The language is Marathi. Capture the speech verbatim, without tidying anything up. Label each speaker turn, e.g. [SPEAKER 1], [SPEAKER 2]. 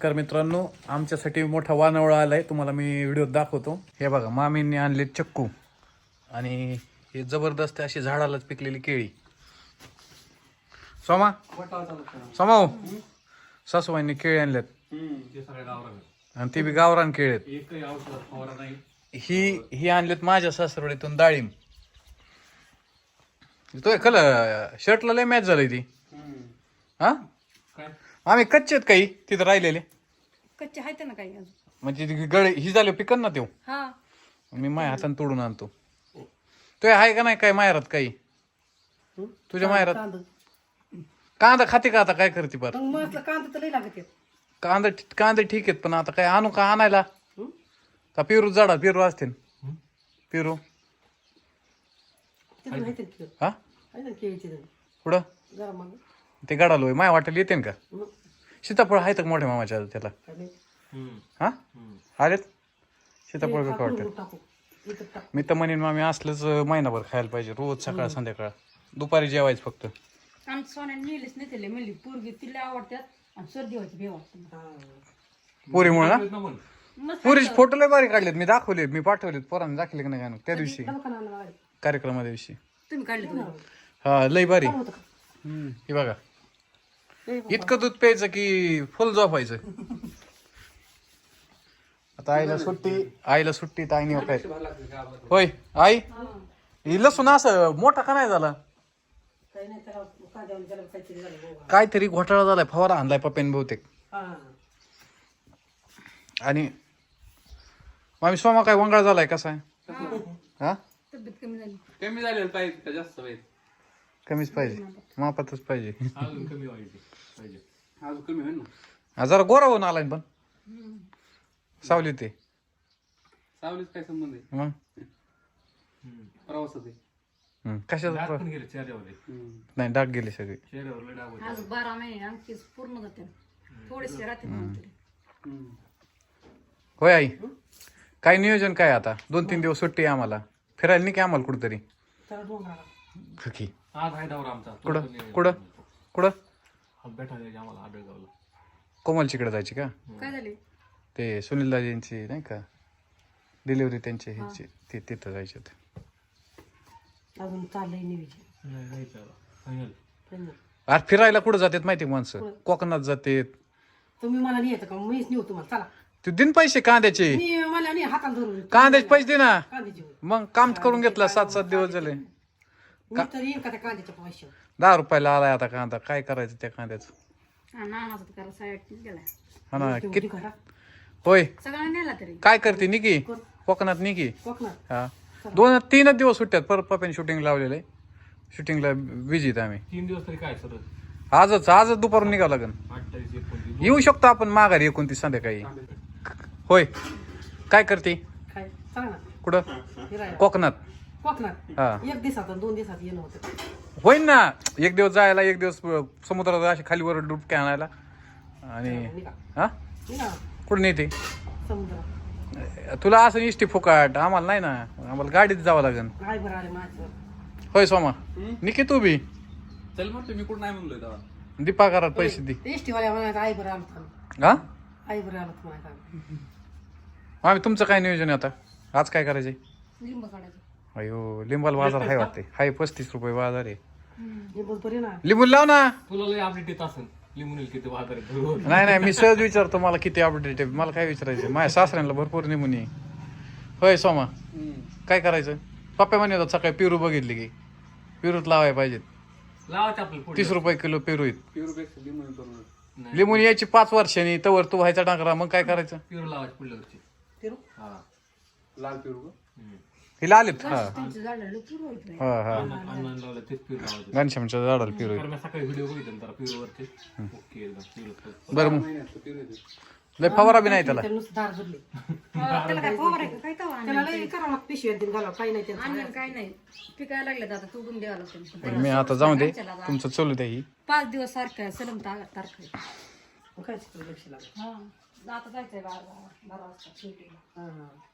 [SPEAKER 1] नमस्कार मित्रांनो, आमच्यासाठी मोठा वानवळा आलाय, तुम्हाला मी व्हिडिओ दाखवतो. हे बघा, मामींनी आणले चक्कू आणि हे जबरदस्त अशी झाडालाच पिकलेली केळी. सोमा सोमा हो, सासूबाईंनी केळी आणल्यात आणि ते बी गावरान केळी आहेत. ही ही आणलेत माझ्या सासरवडीतून डाळिंब. तो कल शर्टला लय मॅच झाली ती. हा आम्ही कच्चे आहेत काही तिथं राहिलेले
[SPEAKER 2] कच्चे आहेत ना काही अजून,
[SPEAKER 1] म्हणजे ती गळे ही झाले पिकन ना तेव.
[SPEAKER 2] हा
[SPEAKER 1] मी माझ्या हाताने तोडून आणतो. तो आहे का नाही काय माहेरात काही तुझ्या माहेरात? कांदा खाते का आता? काय करते पर
[SPEAKER 2] मग कांदा तर लई लागत
[SPEAKER 1] कांदा कांदे ठीक आहेत, पण आता काय आणू का आणायला का? पेरू झाडा पेरू असते पेरू. हा पुढं ते गडालोय माय वाटेल येते का? सीताफळ आहेत का मोठ्या मामाच्या त्याला? हा आलेत सीताफळ का वाटत? मी तर म्हणेन मामी असलंच महिनाभर खायला पाहिजे, रोज सकाळ संध्याकाळ. दुपारी जेवायचं फक्त.
[SPEAKER 2] आमच्या सोन्याने नेलीच नाही त्याला, म्हणली पोरगी तिला आवडतात आणि सर्दी व्हायची भेव
[SPEAKER 1] पोरीमुळे ना. पोरीचे फोटो लय भारी काढलेत, मी दाखवले, मी पाठवलेत पोरांनी, दाखवले की नाही त्या दिवशी कार्यक्रमाच्या दिवशी.
[SPEAKER 2] तुम्ही काढले
[SPEAKER 1] हा लय भारी. हे बघा, इतकं दूध प्यायचं की फुल झोपायचं. आता आईला सुट्टी, आईला सुट्टी तर आईने काय होय आई ही लसूण असं मोठा का नाही झाला? काहीतरी घोटाळा झालाय, फवारा आणलाय पप्प्याने बहुतेक. आणि मामी सोमा काय वंगाळ झालाय कसा आहे? हा
[SPEAKER 2] तब्येत कमी झाली.
[SPEAKER 3] कमी झालेलं पाहिजे का जास्त पाहिजे?
[SPEAKER 1] कमीच पाहिजे, मापातच पाहिजे.
[SPEAKER 3] अजून कमी व्हायचे पाहिजे, अजून कमी होईल ना.
[SPEAKER 1] जरा गोरा होऊन आलाय पण सावली ते
[SPEAKER 3] सावलीच काय संबंध आहे
[SPEAKER 1] मग
[SPEAKER 3] प्रवासात आहे.
[SPEAKER 1] कशाचा
[SPEAKER 3] डाग
[SPEAKER 1] प्र-
[SPEAKER 3] पण गेले चेहऱ्यावर,
[SPEAKER 1] नाही डाग गेले सगळे.
[SPEAKER 3] चेहऱ्यावर लय डाग होते.
[SPEAKER 2] आज बारा महिने आमचीच पूर्ण जाते, थोडेसे राहते नंतर.
[SPEAKER 1] होय आई, काय नियोजन काय आता? दोन तीन दिवस सुट्टी आहे आम्हाला, फिरायला नाही की आम्हाला कुठतरी? की
[SPEAKER 3] आज आहे दौरा आमचा.
[SPEAKER 1] कुठं कुठं कुठं
[SPEAKER 3] आज बैठा द्यायची आम्हाला आबेगावला.
[SPEAKER 1] कोमलचीकडे जायची का?
[SPEAKER 2] काय झाले?
[SPEAKER 1] ते सुनील दाजींची नाही का डिलिव्हरी त्यांची ह्याची, ते तिथं जायचे होते.
[SPEAKER 2] अजून चाललंय नियोजन.
[SPEAKER 3] नाही जायचं आता. फायनल.
[SPEAKER 1] अरे फिरायला कुठं जातात माहिती माणसं? कोकणात जातात.
[SPEAKER 4] तुम्ही मला नाही येतं का? मीच नेऊ तुम्हाला. चला
[SPEAKER 1] तू दिन पैसे कांद्याचे,
[SPEAKER 4] मी मला नाही हातात धरून
[SPEAKER 1] कांद्याचे पैसे दे ना.
[SPEAKER 4] कांद्याची
[SPEAKER 1] मग काम करून घेतला, सात सात दिवस झाले.
[SPEAKER 4] मी तर येईन का त्या कांद्याच्या पैसे?
[SPEAKER 1] दहा रुपयाला आलाय आता कांदा, काय करायचं त्या कांद्याचं?
[SPEAKER 2] हा नानाचा तर करा साईड गेलाय.
[SPEAKER 1] हा ना किती
[SPEAKER 4] करा
[SPEAKER 1] होय.
[SPEAKER 2] सगळ्यांना नेला तरी
[SPEAKER 1] काय करते निकी कोकणात? निकी
[SPEAKER 4] कोकणात
[SPEAKER 1] हा दोन तीनच दिवस सुट्ट्यात. परत पप्याने शूटिंग लावलेलं आहे, शूटिंगला बिझी आहेत आम्ही.
[SPEAKER 3] तीन दिवस तरी काय सर?
[SPEAKER 1] आजच आजच दुपारून निघावं लागेल.
[SPEAKER 3] अठ्ठावीस एकोणतीस
[SPEAKER 1] येऊ शकतो आपण माघारी एकोणतीस संध्याकाळी. होय काय करते?
[SPEAKER 4] काय सांग ना.
[SPEAKER 1] कुठं?
[SPEAKER 4] फिरायला
[SPEAKER 1] कोकणात.
[SPEAKER 4] कोकणात
[SPEAKER 1] हा
[SPEAKER 4] एक दिवसात आणि दोन दिवसात येणं होतं.
[SPEAKER 1] होईन ना, एक दिवस जायला, एक दिवस समुद्रात अशी खालीवर डुबक्या आणायला. आणि
[SPEAKER 4] निघा
[SPEAKER 1] हा
[SPEAKER 4] निघा
[SPEAKER 1] कुठं नेते
[SPEAKER 4] समुद्रात.
[SPEAKER 1] तुला असं इष्टी फुकाट? आम्हाला नाही ना, आम्हाला गाडीत जावं लागेल.
[SPEAKER 4] काय बरं आले माझं.
[SPEAKER 1] होय सोमा निकी तू बी
[SPEAKER 3] चल मग तुम्ही कुठं नाही म्हणलोय तेव्हा.
[SPEAKER 1] दीपा घरात पैसे दे.
[SPEAKER 4] एसटी वाल्या म्हणायचं आई बरं आलं थांब,
[SPEAKER 1] हा
[SPEAKER 4] आई बरं आलं म्हणायचं.
[SPEAKER 1] आम्ही तुमचं काय नियोजन आहे आता? आज काय करायचंय?
[SPEAKER 2] लिंब काढायचं.
[SPEAKER 1] अयो लिंबाला बाजार आहे वाटते. हाय पस्तीस रुपये बाजार आहे.
[SPEAKER 4] हे बोल बरे ना.
[SPEAKER 1] लिंबू लाव ना.
[SPEAKER 3] तुला लय अपडेट येत असेल लिंबून किती बाजार आहे बरोबर.
[SPEAKER 1] नाही नाही, मी सहज विचारतो मला किती अपडेट आहे. मला काय विचारायचं? माझ्या सासऱ्यांना भरपूर निमून आहे. होय सोमा काय करायचं? पप्पा म्हणे होतात सकाळी पेरू बघितली की पेरूत लावायला पाहिजेत.
[SPEAKER 3] लावायचं आपल्याला
[SPEAKER 1] तीस रुपये किलो पेरू आहेत.
[SPEAKER 3] पेरूपेक्षा लिंबून करून
[SPEAKER 1] लिंबून यायची पाच वर्षांनी, तवर तू व्हायचा डांगरा. मग काय करायचं?
[SPEAKER 3] पेरू लावायचे पुढल्या वर्षी.
[SPEAKER 4] फिरू
[SPEAKER 3] हा लाल पेरू का?
[SPEAKER 1] हिला आलेत. हा
[SPEAKER 2] त्यांचं झाडाला पूर्व होत नाही.
[SPEAKER 1] हा हा
[SPEAKER 3] अन्न लावलं तेच पेरू लावायचे.
[SPEAKER 1] घनश्यामच्या झाडाला पेरू आहेत.
[SPEAKER 3] कारण मी सकाळी व्हिडिओ बघितले जरा पेरूवरचे. ओके एकदम पेरू.
[SPEAKER 1] बरं मग लय फवारा बी नाही त्याला.
[SPEAKER 4] त्याला नुसतं धार धरली.
[SPEAKER 2] त्याला काय फवारायचं काय तवा
[SPEAKER 4] त्याला लई करावं लागतं पिशव्यात दिन घालावं. काही नाही त्यांचं.
[SPEAKER 2] आणलं काय नाही, पिकायला लागले आता तोडून द्यावं लागतं.
[SPEAKER 1] मी आता जाऊ दे, तुमचं चालू द्या. ही
[SPEAKER 2] पाच दिवस सारखं सलम तारखा
[SPEAKER 4] काय लक्ष लागलं.
[SPEAKER 2] हा आता जायचंय बारा बारा वाजता shooting ला.
[SPEAKER 4] हा